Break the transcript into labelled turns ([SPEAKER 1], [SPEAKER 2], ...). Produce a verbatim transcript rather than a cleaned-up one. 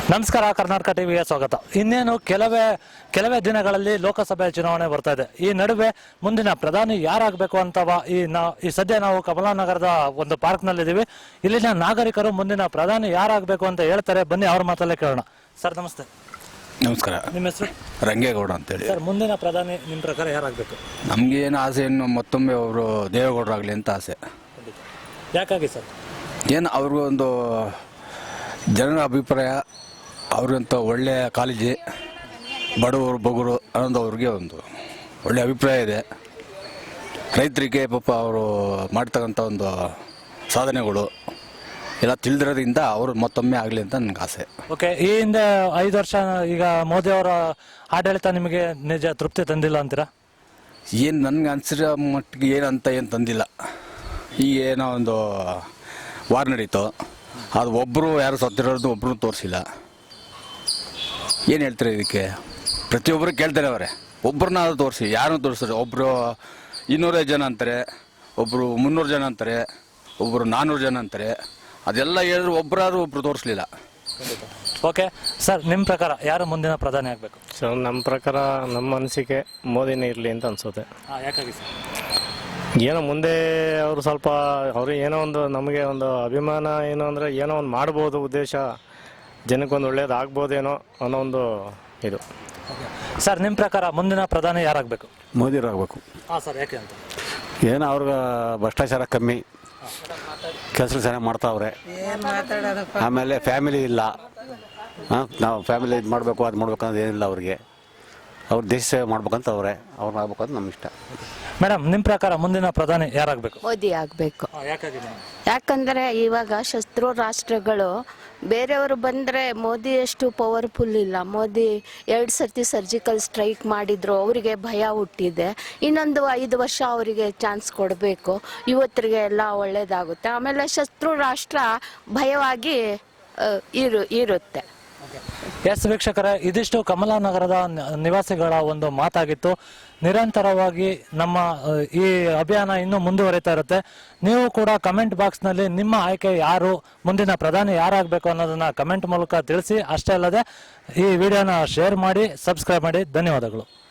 [SPEAKER 1] ನಮಸ್ಕಾರ, ಕರ್ನಾಟಕ ಟಿವಿಗೆ ಸ್ವಾಗತ. ಇನ್ನೇನು ಕೆಲವೇ ಕೆಲವೇ ದಿನಗಳಲ್ಲಿ ಲೋಕಸಭೆ ಚುನಾವಣೆ ಬರ್ತಾ ಇದೆ. ಈ ನಡುವೆ ಮುಂದಿನ ಪ್ರಧಾನಿ ಯಾರಾಗಬೇಕು ಅಂತವ ಈ ನಾ ಈ ಸದ್ಯ ನಾವು ಕಮಲಾನಗರದ ಒಂದು ಪಾರ್ಕ್ ನಲ್ಲಿ ಇದೀವಿ. ಇಲ್ಲಿನ ನಾಗರಿಕರು ಮುಂದಿನ ಪ್ರಧಾನಿ ಯಾರಾಗಬೇಕು ಅಂತ ಹೇಳ್ತಾರೆ. ಬನ್ನಿ ಅವ್ರ ಮಾತಲ್ಲೇ ಕೇಳೋಣ. ಸರ್ ನಮಸ್ತೆ.
[SPEAKER 2] ನಮಸ್ಕಾರ.
[SPEAKER 1] ನಿಮ್ಮ ಹೆಸರು?
[SPEAKER 2] ರಂಗೇಗೌಡ ಅಂತೇಳಿ.
[SPEAKER 1] ಸರ್, ಮುಂದಿನ ಪ್ರಧಾನಿ ನಿಮ್ಮ ಪ್ರಕಾರ ಯಾರಾಗಬೇಕು?
[SPEAKER 2] ನಮ್ಗೆ ಏನು ಆಸೆ, ಇನ್ನು ಮತ್ತೊಮ್ಮೆ ಅವರು ದೇವೇಗೌಡರಾಗಲಿ ಅಂತ ಆಸೆ.
[SPEAKER 1] ಯಾಕಾಗಿ ಸರ್?
[SPEAKER 2] ಏನು ಅವ್ರಿಗೂ ಒಂದು ಜನರ ಅಭಿಪ್ರಾಯ, ಅವ್ರಿಗಂತ ಒಳ್ಳೆಯ ಕಾಳಜಿ, ಬಡವರು ಬಗುರು ಅನ್ನೋದು ಅವ್ರಿಗೆ ಒಂದು ಒಳ್ಳೆಯ ಅಭಿಪ್ರಾಯ ಇದೆ. ರೈತರಿಗೆ ಪಾಪ ಅವರು ಮಾಡ್ತಕ್ಕಂಥ ಒಂದು ಸಾಧನೆಗಳು ಎಲ್ಲ ತಿಳಿದಿರೋದ್ರಿಂದ ಅವರು ಮತ್ತೊಮ್ಮೆ ಆಗಲಿ ಅಂತ ನನಗೆ ಆಸೆ.
[SPEAKER 1] ಓಕೆ, ಈ ಹಿಂದೆ ಐದು ವರ್ಷ ಈಗ ಮೋದಿ ಅವರ ಆಡಳಿತ ನಿಮಗೆ ನಿಜ ತೃಪ್ತಿ ತಂದಿಲ್ಲ ಅಂತೀರಾ?
[SPEAKER 2] ಏನು ನನಗೆ ಅನಿಸಿರೋ ಮಟ್ಟಿಗೆ ಏನಂತ ಏನು ತಂದಿಲ್ಲ. ಈಗ ಏನೋ ಒಂದು ವಾರ್ ನಡೀತು, ಅದು ಒಬ್ಬರು ಯಾರು ಸತ್ತಿರೋದು ಒಬ್ಬರು ತೋರಿಸಿಲ್ಲ. ಏನು ಹೇಳ್ತಾರೆ ಇದಕ್ಕೆ? ಪ್ರತಿಯೊಬ್ಬರು ಕೇಳ್ತಾರೆ ಅವರೇ, ಒಬ್ಬರನ್ನ ಅದು ತೋರಿಸಿ, ಯಾರನ್ನು ತೋರಿಸ್ತಾರೆ? ಒಬ್ಬರು ಇನ್ನೂರೈದು ಜನ ಅಂತಾರೆ, ಒಬ್ಬರು ಮುನ್ನೂರು ಜನ ಅಂತಾರೆ, ಒಬ್ಬರು ನಾನ್ನೂರು ಜನ ಅಂತಾರೆ. ಅದೆಲ್ಲ ಹೇಳಿದ್ರು ಒಬ್ಬರಾದ್ರೂ ಒಬ್ಬರು ತೋರಿಸ್ಲಿಲ್ಲ.
[SPEAKER 1] ಓಕೆ ಸರ್, ನಿಮ್ಮ ಪ್ರಕಾರ ಯಾರು ಮುಂದಿನ ಪ್ರಧಾನಿ ಆಗಬೇಕು?
[SPEAKER 3] ಸೊ ನಮ್ಮ ಪ್ರಕಾರ, ನಮ್ಮ ಅನಿಸಿಕೆ ಮೋದಿನೇ ಇರಲಿ ಅಂತ ಅನಿಸುತ್ತೆ.
[SPEAKER 1] ಯಾಕಾಗಿ ಸರ್?
[SPEAKER 3] ಏನೋ ಮುಂದೆ ಅವರು ಸ್ವಲ್ಪ ಅವರು ಏನೋ ಒಂದು ನಮಗೆ ಒಂದು ಅಭಿಮಾನ ಏನು ಅಂದರೆ ಏನೋ ಒಂದು ಮಾಡ್ಬೋದು, ಉದ್ದೇಶ ಜನಕ್ಕೊಂದು ಒಳ್ಳೇದು ಆಗ್ಬೋದೇನೋ ಅನ್ನೋ ಒಂದು ಇದು.
[SPEAKER 1] ಸರ್, ನಿಮ್ಮ ಪ್ರಕಾರ ಮುಂದಿನ ಪ್ರಧಾನಿ ಯಾರಾಗಬೇಕು?
[SPEAKER 4] ಮೋದಿರಾಗಬೇಕು.
[SPEAKER 1] ಹಾಂ ಸರ್, ಯಾಕೆ ಅಂತ?
[SPEAKER 4] ಏನೋ ಅವ್ರಿಗೆ ಭ್ರಷ್ಟಾಚಾರ ಕಮ್ಮಿ, ಕೆಲಸ ಚೆನ್ನಾಗಿ ಮಾಡ್ತಾವ್ರೆ. ಆಮೇಲೆ ಫ್ಯಾಮಿಲಿ ಇಲ್ಲ, ಹಾಂ ನಾವು ಫ್ಯಾಮಿಲಿ ಇದು ಮಾಡಬೇಕು ಅದು ಮಾಡ್ಬೇಕು ಅನ್ನೋದು ಏನಿಲ್ಲ ಅವ್ರಿಗೆ. ಅವ್ರು ದೇಶ ಸೇವೆ ಮಾಡ್ಬೇಕಂತ ಅವ್ರೆ, ಅವ್ರನ್ನ ಆಗ್ಬೇಕು ಅಂತ ನಮ್ಮ ಇಷ್ಟ.
[SPEAKER 1] ಮೇಡಮ್, ನಿಮ್ಮ ಪ್ರಕಾರ ಮುಂದಿನ ಪ್ರಧಾನಿ ಯಾರಾಗಬೇಕು?
[SPEAKER 5] ಮೋದಿ ಆಗಬೇಕು.
[SPEAKER 1] ಯಾಕಾಗಿ?
[SPEAKER 5] ಯಾಕಂದರೆ ಇವಾಗ ಶತ್ರು ರಾಷ್ಟ್ರಗಳು ಬೇರೆಯವರು ಬಂದರೆ ಮೋದಿ ಅಷ್ಟು ಪವರ್ಫುಲ್ ಇಲ್ಲ. ಮೋದಿ ಎರಡು ಸರ್ತಿ ಸರ್ಜಿಕಲ್ ಸ್ಟ್ರೈಕ್ ಮಾಡಿದ್ರು, ಅವರಿಗೆ ಭಯ ಹುಟ್ಟಿದೆ. ಇನ್ನೊಂದು ಐದು ವರ್ಷ ಅವರಿಗೆ ಚಾನ್ಸ್ ಕೊಡಬೇಕು, ಯುವಕರಿಗೆ ಎಲ್ಲ ಒಳ್ಳೆಯದಾಗುತ್ತೆ. ಆಮೇಲೆ ಶತ್ರು ರಾಷ್ಟ್ರ ಭಯವಾಗಿ ಇರು ಇರುತ್ತೆ.
[SPEAKER 1] ಎಸ್ ವೀಕ್ಷಕರೇ, ಇದಿಷ್ಟು ಕಮಲಾನಗರದ ನಿವಾಸಿಗಳ ಒಂದು ಮಾತಾಗಿತ್ತು. ನಿರಂತರವಾಗಿ ನಮ್ಮ ಈ ಅಭಿಯಾನ ಇನ್ನೂ ಮುಂದುವರಿತಾ ಇರುತ್ತೆ. ನೀವು ಕೂಡ ಕಮೆಂಟ್ ಬಾಕ್ಸ್ನಲ್ಲಿ ನಿಮ್ಮ ಆಯ್ಕೆ ಯಾರು, ಮುಂದಿನ ಪ್ರಧಾನಿ ಯಾರಾಗಬೇಕು ಅನ್ನೋದನ್ನ ಕಮೆಂಟ್ ಮೂಲಕ ತಿಳಿಸಿ. ಅಷ್ಟೇ ಅಲ್ಲದೆ ಈ ವಿಡಿಯೋನ ಶೇರ್ ಮಾಡಿ, ಸಬ್ಸ್ಕ್ರೈಬ್ ಮಾಡಿ. ಧನ್ಯವಾದಗಳು.